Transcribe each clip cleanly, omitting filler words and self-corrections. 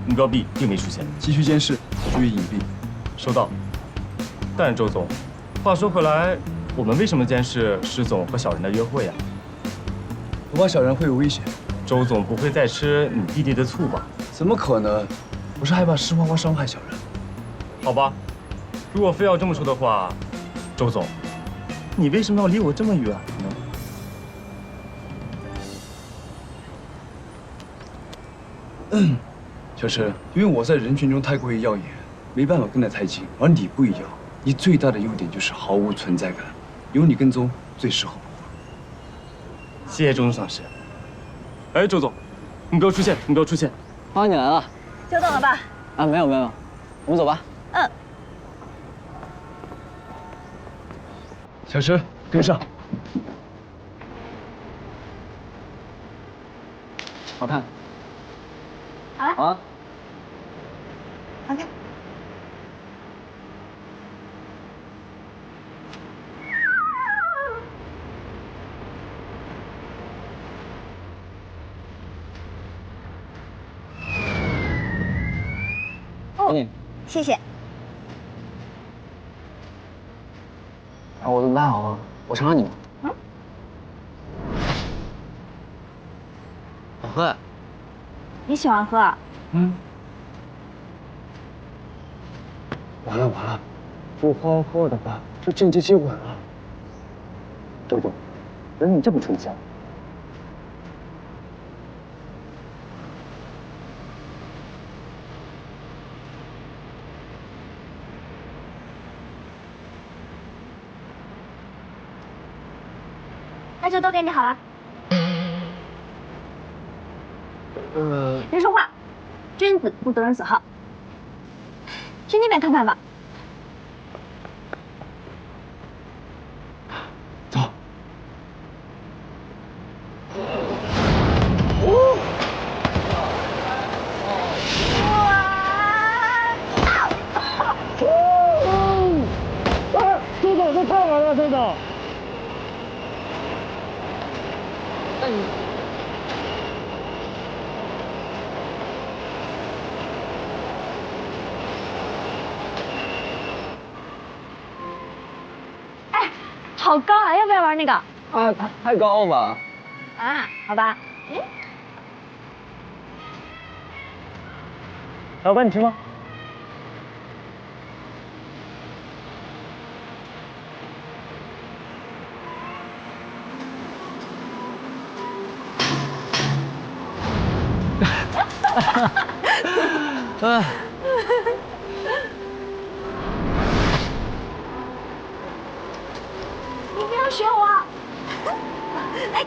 目标 B 并没出现。 继续监视，注意隐蔽。 收到。但是周总，话说回来，我们为什么监视施总和小人的约会呀？ 我怕小人会有危险。 周总不会再吃你弟弟的醋吧？ 怎么可能？我是害怕施花花伤害小人。 好吧，如果非要这么说的话，周总，你为什么要离我这么远呢？ 小陈，因为我在人群中太过于耀眼，没办法跟得太近，而你不一样，你最大的优点就是毫无存在感，有你跟踪最适合我。 谢谢周总赏识。哎，周总，目标出现，目标出现。 花你来了。 久等了吧？ 啊，没有，我们走吧。 嗯。 小陈，跟上。 好看。 好了。 好啊。 好看。哦，谢谢。 啊，我都拉好了，我尝尝你们。 嗯。 好喝。 你喜欢喝啊？ 嗯。完了，不好好的吧，这间接接吻了。周总，人你这么出息啊？ 那就都给你好了。别说话，君子不夺人所好。去那边看看吧。 走。 周总，这太晚了，周总。那你。 哎，好高啊！要不要玩那个？ 啊，太高了吧？ 啊，好吧。嗯。 老板，你吃吗？ 你不要学我。哎。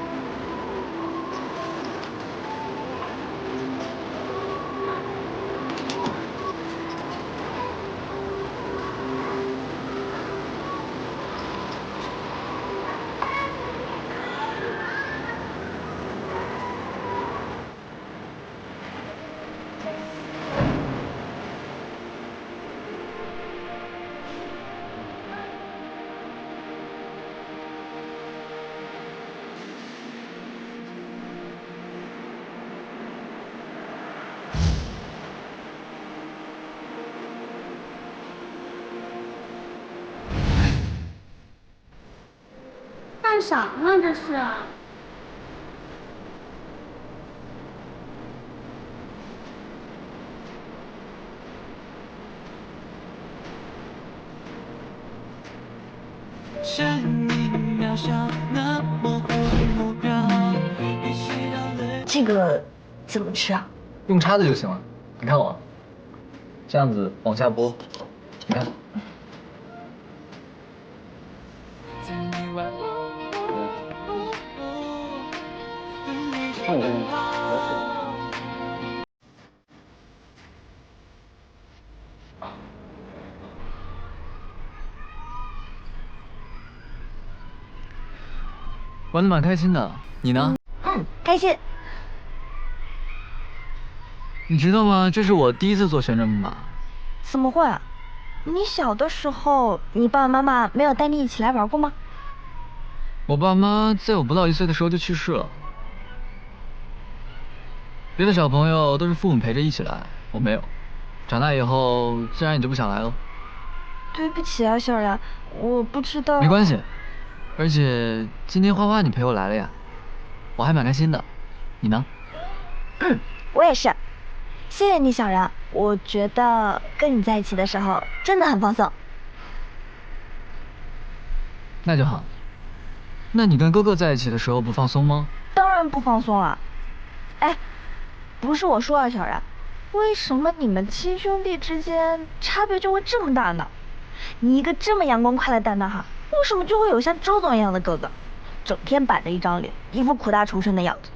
干啥呢？这是。这个怎么吃啊？ 用叉子就行了。你看我，这样子往下拨，你看。看你这边。玩的蛮开心的，你呢？ 开心。 你知道吗？这是我第一次坐旋转木马。 怎么会？你小的时候，你爸爸妈妈没有带你一起来玩过吗？ 我爸妈在我不到1岁的时候就去世了。 别的小朋友都是父母陪着一起来，我没有。长大以后，自然也就不想来了。 对不起啊，小然，我不知道。 没关系，而且今天花花你陪我来了呀，我还蛮开心的。你呢？ 我也是，谢谢你，小然。我觉得跟你在一起的时候真的很放松。 那就好。那你跟哥哥在一起的时候不放松吗？ 当然不放松了。哎，不是我说啊，小然，为什么你们亲兄弟之间差别就会这么大呢？你一个这么阳光快乐大男孩，为什么就会有像周总一样的哥哥，整天板着一张脸，一副苦大仇深的样子？